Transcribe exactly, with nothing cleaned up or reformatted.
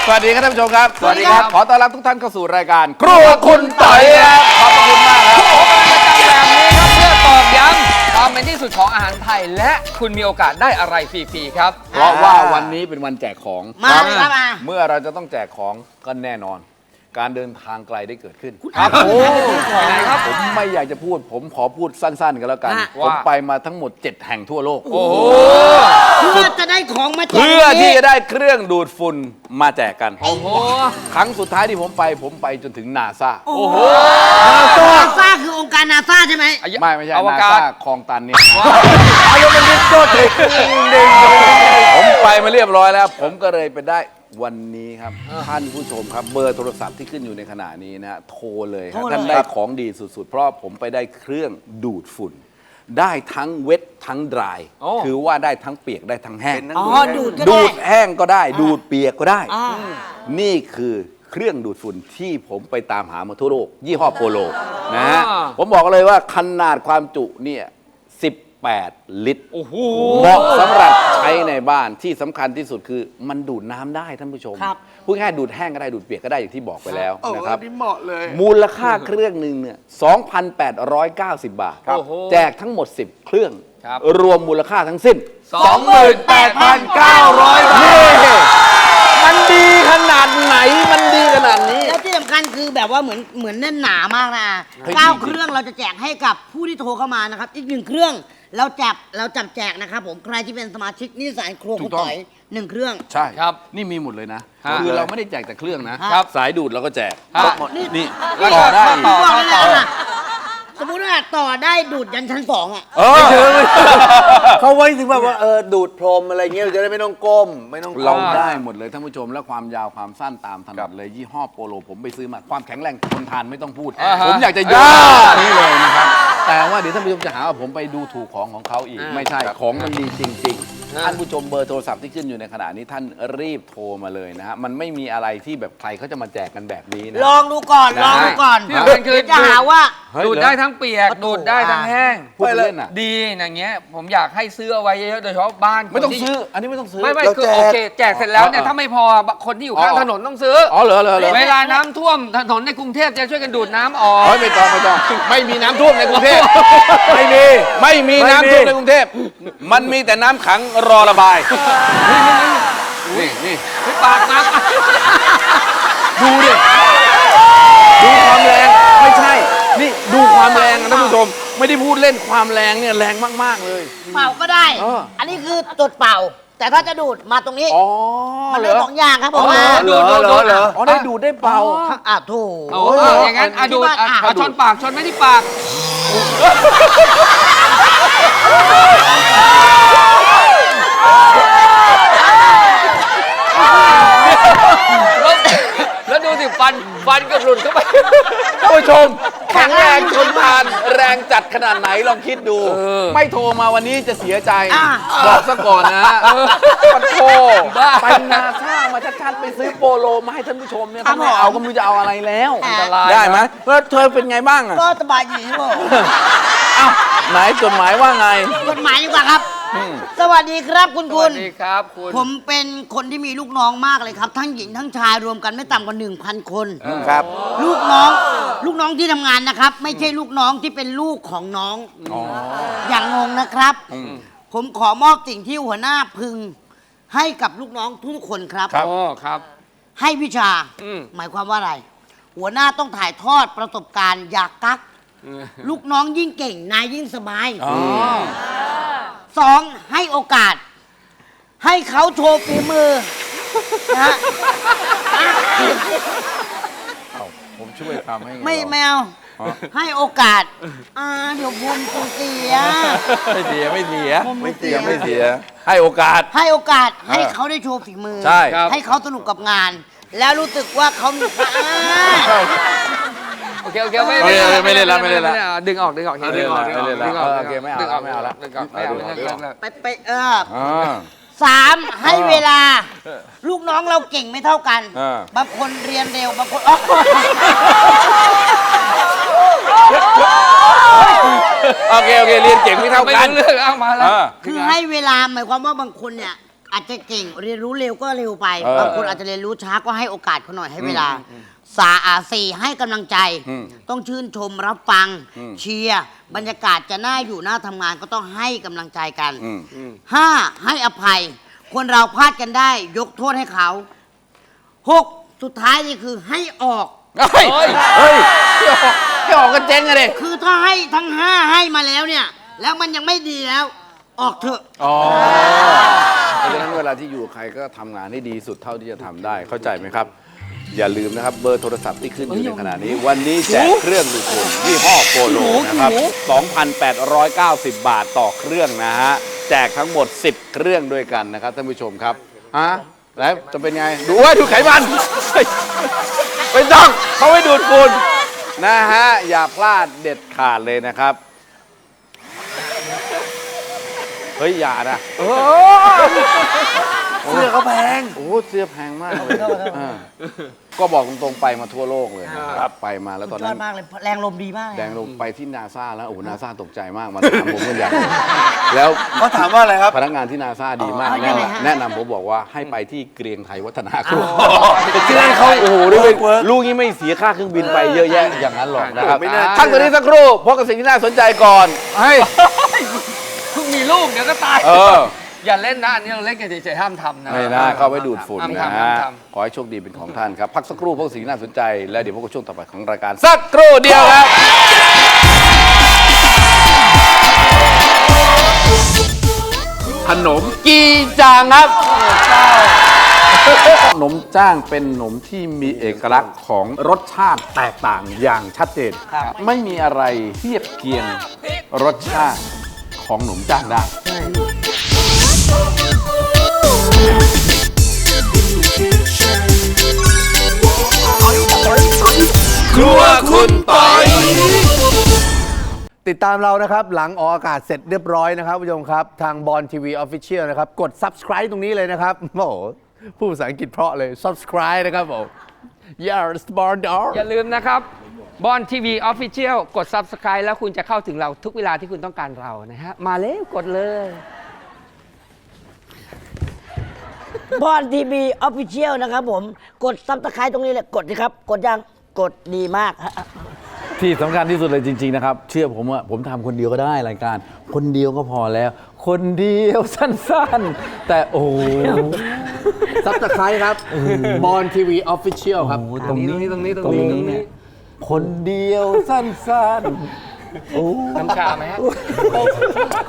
สวัสดีครับท่านผู้ชมครับสวัสดีครับขอต้อนรับทุกท่านเข้าสู่รายการครัวคุณต่อยครับขอบคุณมากครับพบกันประจำแบบนี้ครับเพื่อตอกย้ำความเป็นที่สุดของอาหารไทยและคุณมีโอกาสได้อะไรฟรีๆครับเพราะว่าวันนี้เป็นวันแจกของมาเลยครับมาเมื่อเราจะต้องแจกของก็แน่นอน การเดินทางไกลได้เกิดขึ้นครับโอ้ไหนครับผมไม่อยากจะพูด ผมขอพูดสั้นๆกันแล้วกัน ผมไปมาทั้งหมดเจ็ดแห่งทั่วโลกโอ้โหเพื่อจะได้ของมาแจกเพื่อที่จะได้เครื่องดูดฝุ่นมาแจกกันโอ้โหครั้งสุดท้ายที่ผมไปผมไปจนถึงนาซาโอ้โหนาซาคือองค์การนาซาใช่ไหมไม่ไม่ใช่อวนากาศซาคลองตันเนี่ยอารมณ์มันดิโก้เทคผมไปมาเรียบร้อยแล้ว ผมก็เลยไปได้วันนี้ครับท่านผู้ชมครับเบอร์โทรศัพท์ที่ขึ้นอยู่ในขณะนี้นะฮะโทรเลยครับท่านได้ของดีสุดๆ เพราะผมไปได้เครื่องดูดฝุ่น ได้ทั้งเวททั้งดรายโอ้คือว่าได้ทั้งเปียกได้ทั้งแห้งอ๋อดูดก็ดูได้ดแห้งก็ได้ ดูดเปียกก็ได้อ่านี่คือเครื่องดูดฝุ่นที่ผมไปตามหามาทั่วโลกยี่ห้อโปโลนะฮะอ่าผมบอกเลยว่าขนาดความจุเนี่ยสิบแปดลิตรโอ้โหเหมาะสำหรับใช้ในบ้านที่สำคัญที่สุดคือมันดูดน้ำได้ท่านผู้ชมครับพูดง่ายๆดูดแห้งก็ได้ดูดเปียกก็ได้อย่างที่บอกไปแล้วนะครับนี่เหมาะเลยมูลค่าเครื่องหนึ่งเนี่ย สองพันแปดร้อยเก้าสิบ บาทโอ้โหแจกทั้งหมดสิบเครื่องครับรวมมูลค่าทั้งสิ้นสองหมื่นแปดพันเก้าร้อยบาทนี่มันดีขนาดไหนมันดีขนาดนี้แล้วที่สำคัญคือแบบว่าเหมือนเหมือนแน่นหนามากนะเฮ้ยเก้าจริงๆเครื่องเราจะแจกให้กับผู้ที่โทรเข้ามานะครับ อีกหนึ่งเครื่องเราจับเราจับแจกนะครับผมใครที่เป็นสมาชิกนิสสันครัวคุณต่อยหนึ่งเครื่องใช่ครับนี่มีหมดเลยนะฮะคือเราไม่ได้แจกแต่เครื่องนะครับ สายดูดเราก็แจกฮะนี่นี่แล้วต่อได้ก็อีกต่อบอกเลยนะสมมุติว่าต่อได้ดูดยันชั้นสองอ่ะเออเขาไว้ถึงแบบว่าเออดูดพรมอะไรเงี้ยเราจะได้ไม่ต้องก้ม ไม่ต้องเราก้มได้หมดเลยท่านผู้ชมและความยาวความสั้นตามถนัดเลยยี่ห้อโปโลผมไปซื้อมาความแข็งแรงทนทานไม่ต้องพูดอ่าฮะผมอยากจะยกนี่เลยนะครับแต่ว่าเดี๋ยวท่านผู้ชมจะหาว่าผมไปดูถูกของของเขาอีกอ่าไม่ใช่ของมันดีจริงฮะๆท่านผู้ชมเบอร์โทรศัพท์ที่ขึ้นอยู่ในขณะนี้ท่านรีบโทรมาเลยนะฮะมันไม่มีอะไรที่แบบใครเขาจะมาแจกกันแบบนี้นะลองดูก่อนลองดูก่อนที่สำคัญคือเดี๋ยวจะหาว่าเฮ้ยดูดได้ทั้งเปียก ดูดได้ทั้งแห้งพูดเล่นอ่ะดีอย่างเงี้ยผมอยากให้ซื้อเอาไว้เยอะๆโดยเฉพาะบ้านไม่ต้องคนที่ซื้ออันนี้ไม่ต้องซื้อไม่ไม่เราคือแจกโอเคแจกเสร็จแล้วเนี่ยอ๋อถ้าไม่พอคนที่อยู่ข้างอ๋อถนนต้องซื้ออ๋อเหรอเหรอเหรอเวลาน้ำท่วมถนนในกรุงเทพจะช่วยกันดูดน้ำออกเฮ้ยไม่ต้องไม่ต้องไม่มีน้ำท่วมในกรุงเทพไม่มีไม่มีน้ำท่วมในกรุงเทพมันมีแต่น้ำขังรอระบายนี่นี่ไม่ปากน้ดูดิดูความแรงไม่ใช่ นี่ดูความแรงนะท่านผู้ชมไม่ได้พูดเล่นความแรงเนี่ยแรงมากๆเลยเป่าก็ได้เอออันนี้คือจุดเป่า แต่ถ้าจะดูดมาตรงนี้อ๋อมันเหรได้อสองอย่างครับผมอ๋อว่าำดูดดูดดูดเหรออ๋อได้ดูดได้เป่าอ่ะถูกโอ้ยอย่างนั้นอ่ะดูดอ่ะเอาชนปากชนไม่ที่ปากแล้วดูสิฟันฟันก็หลุดเข้าไปท่านผู้ชมแข็งแรงทนทานแรงจัดขนาดไหนลองคิดดูเออไม่โทรมาวันนี้จะเสียใจอ่ะบอกซะก่อนนะปันโทบ้าไปนาซ่ามาชัดๆไปซื้อโปโลมาให้ท่านผู้ชมเนี่ยครัถ้าบไม่เอาก็ไม่รู้จะเอาอะไรแล้วอันตรายได้ไหมแล้วเธอเป็นไงบ้างอ่ะก็สบายดีครับผมเอ้าไหนจดหมายว่าไงกฎหมายดีกว่าครับอืมสวัสดีครับคุณสคุวัณสดีครับคุณผมเป็นคนที่มีลูกน้องมากเลยครับ ทั้งหญิงทั้งชายรวมกันไม่ต่ำกว่าหนึ่งพันคนครับลูกน้อง ลูกน้องที่ทำงานนะครับ ไม่ใช่ลูกน้องที่เป็นลูกของน้องอ๋ออย่างงงนะครับอืมผมขอมอบสิ่งที่หัวหน้าพึง ให้กับลูกน้องทุกๆคนครับครับโอ้ครับให้วิชาอืมหมายความว่าอะไร หัวหน้าต้องถ่ายทอดประสบการณ์อยากกัก ลูกน้องยิ่งเก่งนายยิ่งสบายอ๋อสองให้โอกาส ให้เขาโชว์ฝีมือนะฮะเอ้าผมช่วยทำให้งไม่หรอแมวอ๋อให้โอกาสอ่าเดี๋ยวผมคงเสียไม่เสียไม่เสียผมไม่ไม่เสีเสียยไม่เสีย ให้โอกาสให้โอกาสให้เออเขาได้โชว์ฝีมือใช่ครับให้เขาสนุกกับงาน แล้วรู้สึกว่าเขามีค่าโอเคโอเคไม่ไม่เล่นไม่เล่นละไม่เล่นละดึงออกดึงออกไม่เล่นละไม่เล่นละดึงออกเออโอเคไม่เอาดึงออกไม่เอาละดึงออกไม่เอาไม่เอาไม่เอาไปไปเอออ่าสามให้เวลา ลูกน้องเราเก่งไม่เท่ากันเออบางคนเรียนเร็วบางคนอ๋อโอเคโอเคเรียนเก่งไม่เท่าไม่กันรู้เรื่องเอามาแล้วเออคือให้เวลาหมายความว่าบางคนเนี่ยอาจจะเก่งเรียนรู้เร็วก็เร็วไปเออบางคนอาจจะเรียนรู้ช้าก็ให้โอกาสเขาหน่อยให้เวลาสาอาสี่ให้กำลังใจอืมต้องชื่นชมรับฟังอืมเชียร์บรรยากาศจะน่าอยู่น่าทำงานก็ต้องให้กำลังใจกันอืมห้าให้อภัย คนเราพลาดกันได้ ยกโทษให้เขาหกสุดท้ายนี่คือให้ออกเฮ้ย เฮ้ยพี่ออกพี่ออกกันเจ๊งอะดิคือถ้าให้ทั้งห้าให้มาแล้วเนี่ย แล้วมันยังไม่ดีแล้ว ออกเถอะอ๋อเพราะฉะนั้นเวลาที่อยู่กับใครก็ทำงานให้ดีสุดเท่าที่จะทำได้เข้าใจไหมครับ อย่าลืมนะครับเบอร์โทรศัพท์ที่ขึ้นอยู่ในขณะนี้ วันนี้แจกเครื่องดูดฝุ่นยี่ห้อโปโลนะครับ สองพันแปดร้อยเก้าสิบ บาทต่อเครื่องนะฮะ แจกทั้งหมด สิบ เครื่องด้วยกันนะครับท่านผู้ชมครับฮะแล้วจะเป็นไง ดูว่าดูไขมันเฮ้ยไม่ต้องเขาให้ดูดฝุ่นนะฮะ อย่าพลาดเด็ดขาดเลยนะครับ เฮ้ย อย่านะเสื้อเขาแพงโอ้เสื้อแพงมากเลยอ่าก็บอกตรงๆไปมาทั่วโลกเลยนะครับ ไปมาแล้วตอนยอนั้ดนมากเลย แรงลมดีมากเลยแดงลงไปที่นาซาแล้ว โอ้โหนาซาตกใจมาก มาถามผมกันใหญ่เลยแล้วเขาถามว่าอะไรครับพนักงานที่นาซาดีมากอ๋อแนะยังไงฮะนำแนะนำผมบอกว่าให้ไปที่เกรียงไทยวัฒนาครุที่นั่นเขาโอ้โหด้วยลูกนี้ไม่เสียค่าเครื่องบินไปเยอะแยะอย่างนั้นหรอกนะครับไม่น่าเชื่อท่านตัวนี้สักครู่พบกับสิ่งที่น่าสนใจก่อนเฮ้ยเพิ่งมีลูกเดี๋ยวก็ตายเอออย่าเล่นนะอันนี้เราเล่นกันเฉยๆห้ามทำนะไม่ได้เข้าไว้ดูดฝุ่นห้ามนะทำห้าฮะมทำขอให้โชคดีเป็นของท่านครับ พักสักครู่พวกสิ่งที่น่าสนใจ แล้วเดี๋ยวพบกับช่วงต่อไปของรายการ สักครู่เดียวครับ ขนมกีจางครับขนมจ้างเป็นขนมที่มีเอกลักษณ์ของรสชาติแตกต่างอย่างชัดเจน ไม่มีอะไรเทียบเคียงรสชาติของขนมจ้างได้ ครัวคุณปอยติดตามเรานะครับ หลังออกอากาศเสร็จเรียบร้อยนะครับผู้ชมครับ ทางบอลทีวีออฟฟิเชียลนะครับ กด subscribe ตรงนี้เลยนะครับ โอ้โหพูดภาษาอังกฤษเพราะเลย subscribe นะครับผม yes born dog อย่าลืมนะครับบอลทีวีออฟฟิเชียลกด Subscribe แล้วคุณจะเข้าถึงเราทุกเวลาที่คุณต้องการเรานะฮะ มาเลยกดเลยบอลทีวีออฟฟิเชียลนะครับผม กดซับสไครต์ตรงนี้เลย กดสิครับ กดยัง กดดีมากฮะที่สำคัญที่สุดเลยจริง ๆ นะครับ เชื่อผมว่าผมทำคนเดียวก็ได้รายการ คนเดียวก็พอแล้ว คนเดียวสั้นๆ แต่โอ้โห subscribe ครับบอลทีวีออฟฟิเชียลครับตรงนี้ตรงนี้ตรงนี้ตรงนี้คนเดียวสั้นๆน้ำชาไหมฮะ